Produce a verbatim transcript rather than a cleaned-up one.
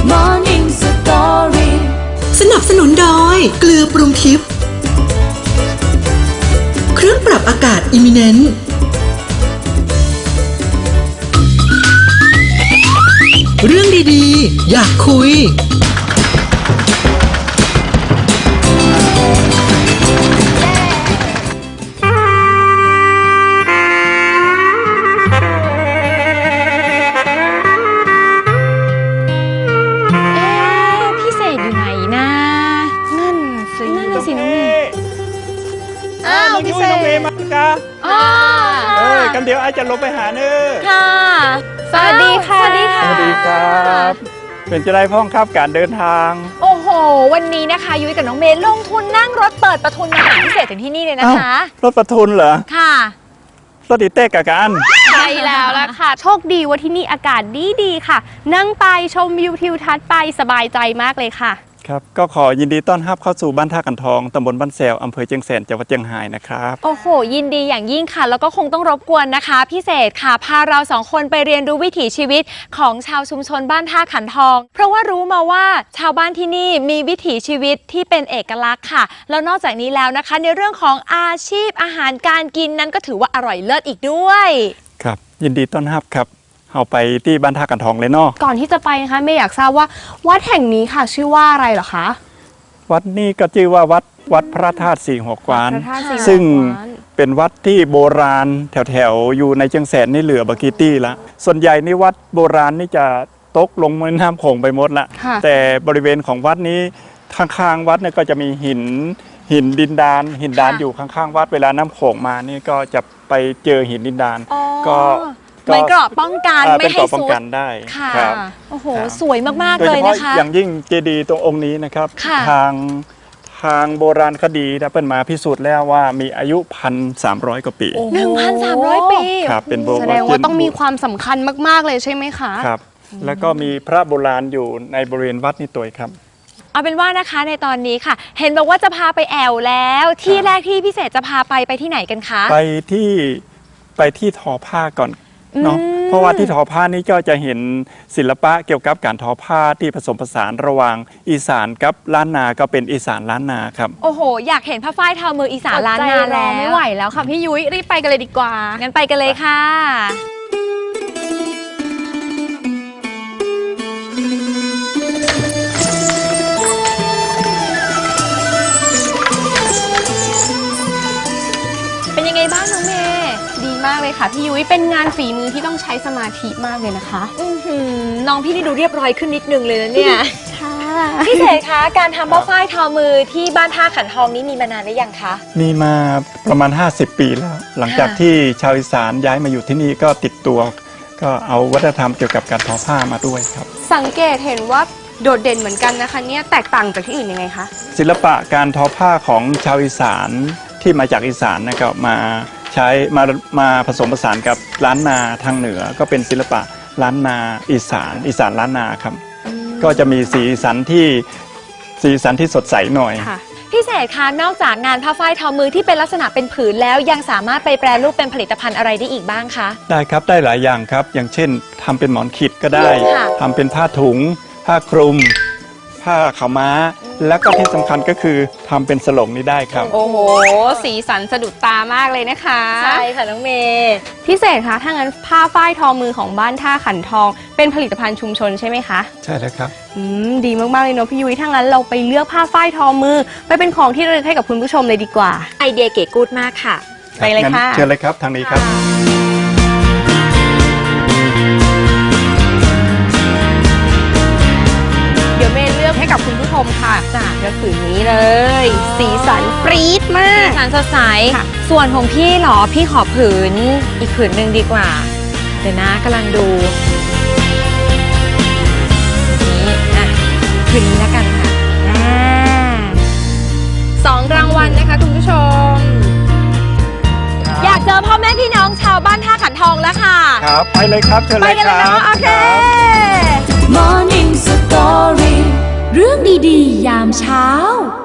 Morning Story สนับสนุนโดยเกลือปรุงทิพย์เครื่องปรับอากาศ Eminent เรื่องดีๆอยากคุยพี่เสกน้องเมย์มาค่ะเอ้ยกันเดี๋ยวไอ้จะลงไปหาเนื้อค่ะสวัสดีค่ะสวัสดีค่ะสวัสดีครับเป็นจะได้พ้องครับการเดินทางโอ้โหวันนี้นะคะยุ้ยกับน้องเมย์ลงทุนนั่งรถเปิดประทุนมาหาพี่เสกถึงที่นี่เลยนะคะรถประทุนเหรอค่ะรถดิเต้กับกันใช่แล้วล่ะค่ะโชคดีว่าที่นี่อากาศดีดีค่ะนั่งไปชมวิวทิวทัศน์ไปสบายใจมากเลยค่ะครับก็ขอยินดีต้อนรับเข้าสู่บ้านท่ากันทองตำบลบ้านแซวอำเภอเชียงแสนจังหวัดเชียงรายนะครับโอ้โหยินดีอย่างยิ่งค่ะแล้วก็คงต้องรบกวนนะคะพี่เศษค่ะพาเราสองคนไปเรียนรู้วิถีชีวิตของชาวชุมชนบ้านท่าขันทองเพราะว่ารู้มาว่าชาวบ้านที่นี่มีวิถีชีวิตที่เป็นเอกลักษณ์ค่ะแล้วนอกจากนี้แล้วนะคะในเรื่องของอาชีพอาหารการกินนั้นก็ถือว่าอร่อยเลิศอีกด้วยครับยินดีต้อนรับครับเอาไปที่บ้านท่ากันทองเลยเนาะก่อนที่จะไปนะคะไม่อยากทราบว่าวัดแห่งนี้ค่ะชื่อว่าอะไรเหรอคะวัดนี้ก็ชื่อว่าวัดวัดพระธาตุสี่หัวกวานซึ่งเป็นวัดที่โบราณแถวๆอยู่ในเชียงแสนนี่เหลือบากีตี้ละส่วนใหญ่นี่วัดโบราณนี่จะตกลงแม่น้ำโขงไปหมดละแต่บริเวณของวัดนี้ข้างๆวัดเนี่ยก็จะมีหินหินดินดานหินดานอยู่ข้างๆวัดเวลาน้ำโขงมานี่ก็จะไปเจอหินดินดานก็มันเกราะป้องกันไม่ให้ป้องกันได้ค่ะโอ้โหสวยมากๆเลยนะคะอย่างยิ่งเจดีย์ตรงองค์นี้นะครับทางทางโบราณคดีนะเปิ้ลมาพิสูจน์แล้วว่ามีอายุพันสามร้อยกว่าปีหนึ่งพันสามร้อยปีครับเป็นโบราณแสดงว่าต้องมีความสำคัญมากๆเลยใช่ไหมคะครับแล้วก็มีพระโบราณอยู่ในบริเวณวัดนี่ตัวครับเอาเป็นว่านะคะในตอนนี้ค่ะเห็นบอกว่าจะพาไปแอวแล้วที่แรกที่พิเศษจะพาไปไปที่ไหนกันคะไปที่ไปที่ทอผ้าก่อนเนาะเพราะว่าที่ทอผ้านี้ก็จะเห็นศิลปะเกี่ยวกับการทอผ้าที่ผสมผสานระหว่างอีสานกับล้านนาก็เป็นอีสานล้านนาครับโอ้โหอยากเห็นผ้าฝ้ายทอมืออีสานล้านนาแล้วไม่ไหวแล้วค่ะพี่ยุ้ยรีบไปกันเลยดีกว่างั้นไปกันเลยค่ะเป็นยังไงบ้างน้องเมย์ดีมากเลยค่ะพี่ยุ้ยเป็นงานฝีมือที่ต้องใช้สมาธิมากเลยนะคะน้องพี่นี่ดูเรียบร้อยขึ้นนิดนึงเลยนะเนี่ยค่ะพี่เสกคะการทำผ้าฝ้ายทอมือที่บ้านท่าขันทองนี้มีมานานหรือยังคะมีมาประมาณห้าสิบปีแล้วหลังจากที่ชาวอีสานย้ายมาอยู่ที่นี่ก็ติดตัวก็เอาวัฒนธรรมเกี่ยวกับการทอผ้ามาด้วยครับสังเกตเห็นว่าโดดเด่นเหมือนกันนะคะเนี่ยแตกต่างจากที่อื่นยังไงคะศิลปะการทอผ้าของชาวอีสานที่มาจากอีสานนะครับมาใช้มามาผสมผสานกับล้านนาทางเหนือก็เป็นศิลปะล้านนาอีสานอีสานล้านนาครับก็จะมีสีสันที่สีสันที่สดใสหน่อยพี่เศษคะนอกจากงานผ้าฝ้ายทอมือที่เป็นลักษณะเป็นผืนแล้วยังสามารถไปแปรรูปเป็นผลิตภัณฑ์อะไรได้อีกบ้างคะได้ครับได้หลายอย่างครับอย่างเช่นทำเป็นหมอนขิดก็ได้ทำเป็นผ้าถุงผ้าคลุมผ้าขาวม้าแล้วก็ที่สำคัญก็คือทำเป็นสลงนี้ได้ครับโอ้โหสีสันสะดุดตามากเลยนะคะใช่ค่ะน้องเมย์พิเศษคะถ้างั้นผ้าฝ้ายทอมือของบ้านท่าขันทองเป็นผลิตภัณฑ์ชุมชนใช่ไหมคะใช่แล้วครับอืมดีมากๆเลยเนาะพี่ยุ้ยถ้างั้นเราไปเลือกผ้าฝ้ายทอมือไปเป็นของที่ระลึกให้กับคุณผู้ชมเลยดีกว่าไอเดียเก๋กู๊ดมากค่ะไปเลยค่ะเชิญเลยครับทางนี้ครับเดี๋ยวเมย์เลือกให้กับคุณผู้ชมค่ะจากกระสือนี้เลยสีสันปรี๊ดมากสีสันสดใสส่วนของพี่หรอพี่ขอผืนอีกผืนหนึ่งดีกว่าเดี๋ยวนะกำลังดูนี่อ่ะผืนนี้แล้วกันค่ะสองรางวัลนะคะคุณผู้ชมอยากเจอพ่อแม่พี่น้องชาวบ้านท่าขันทองแล้วค่ะครับไปเลยครับเชิญเลยครับไปกันเลยเนาะโอเค Morning Story เรื่องดีๆยามเช้า